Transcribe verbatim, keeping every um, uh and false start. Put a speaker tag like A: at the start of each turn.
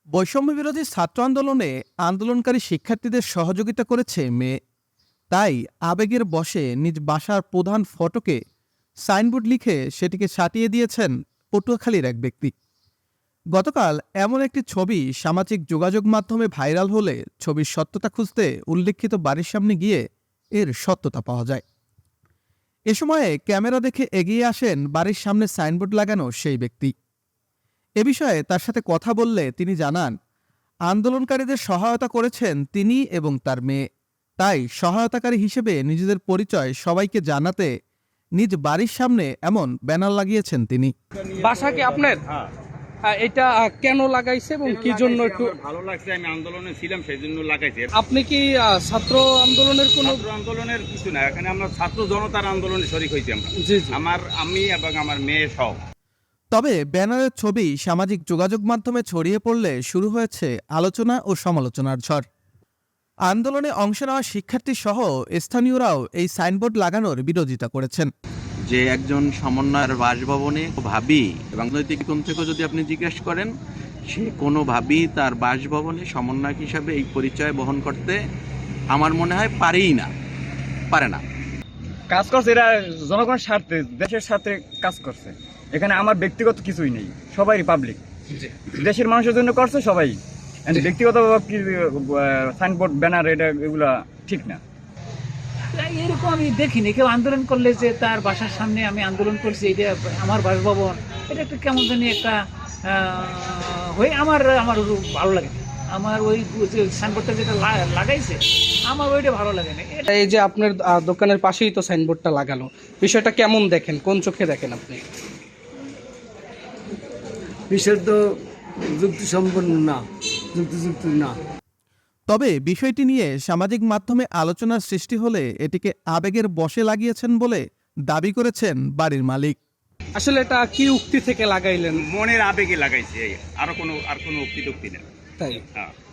A: বৈষম্য বিরোধী ছাত্র আন্দোলনে আন্দোলনকারী শিক্ষার্থীদের সহযোগিতা করেছে মেয়ে। তাই আবেগের বশে নিজ বাসার প্রধান ফটকে সাইনবোর্ড লিখে সেটিকে সাটিয়ে দিয়েছেন পটুয়াখালীর এক ব্যক্তি। গতকাল এমন একটি ছবি সামাজিক যোগাযোগ মাধ্যমে ভাইরাল হলে ছবির সত্যতা খুঁজতে উল্লেখিত বাড়ির সামনে গিয়ে এর সত্যতা পাওয়া যায়। এ সময়ে ক্যামেরা দেখে এগিয়ে আসেন বাড়ির সামনে সাইনবোর্ড লাগানো সেই ব্যক্তি। এ বিষয়ে তার সাথে কথা বললে তিনি জানান, আন্দোলনকারীদের সহায়তা করেছেন তিনি এবং তার মেয়ে। তাই সহায়তাকারী হিসেবে নিজেদের পরিচয় সবাইকে জানাতে নিজ বাড়ির সামনে এমন ব্যানার লাগিয়েছেন তিনি।
B: বাসা কি আপনার?
C: হ্যাঁ,
B: আহ, এটা আহ, কেন লাগাইছে এবং কি জন্য একটু
C: আমার ভালো লাগছে। আমি আন্দোলনে ছিলাম, সেই জন্য লাগাইছি।
B: আপনি কি আহ, ছাত্র আন্দোলনের কোনো?
C: ছাত্র আন্দোলনের কিছু না, এখানে আমরা ছাত্র জনতার আন্দোলনে শরীক হয়েছি আমরা।
B: জি জি।
C: আমার আমি এবং আমার মেয়ে সহ।
A: তবে ব্যানারের ছবি সামাজিক যোগাযোগ মাধ্যমে ছড়িয়ে পড়লে শুরু হয়েছে আলোচনা ও সমালোচনার ঝড়। আন্দোলনে অংশ নেওয়া শিক্ষার্থী সহ স্থানীয়রাও এই সাইনবোর্ড লাগানোর বিরোধিতা করেছেন।
D: যে একজন সমন্বয়ের বাসভবনে ভাবি রাজনৈতিক কোণ থেকে যদি আপনি জিজ্ঞেস করেন, সে কোনোভাবেই তার বাসভবনে সমন্বয়ক হিসাবে এই পরিচয় বহন করতে আমার মনে হয় পারেই না, পারে না।
E: কাজ করছে এরা জনগণের স্বার্থে, দেশের স্বার্থে কাজ করছে। এখানে আমার ব্যক্তিগত কিছুই নেই, সবাই পাবলিক, দেশের মানুষের জন্য করছে সবাই। ব্যক্তিগত সাইনবোর্ড ব্যানার এটা এগুলা ঠিক না।
F: এরকম আমি দেখিনি। কেউ আন্দোলন করলে যে তার বাসার সামনে আমি আন্দোলন করছি, এটা আমার বাসভবন, এটা একটা কেমন জানি একটা হয়ে আমার আমার ভালো লাগে না। আমার ওই যে সাইনবোর্ডটা যেটা লাগাইছে আমার ওইটা ভালো লাগে না।
B: এই যে আপনার আহ, দোকানের পাশেই তো সাইনবোর্ডটা লাগানো, বিষয়টা কেমন দেখেন, কোন চোখে দেখেন আপনি?
G: বিষয় তো যুক্তিসম্পন্ন না, যুক্তিযুক্ত না।
A: তবে বিষয়টি নিয়ে সামাজিক মাধ্যমে আলোচনার সৃষ্টি হলে এটিকে আবেগের বশে লাগিয়েছেন বলে দাবি করেছেন বাড়ির মালিক।
B: আসলে এটা কি উক্তি থেকে লাগাইলেন?
C: মনের আবেগে লাগাইছি, এই। আরো কোনো আর কোনো উক্তি টুক্তি না।
B: তাই
C: হ্যাঁ।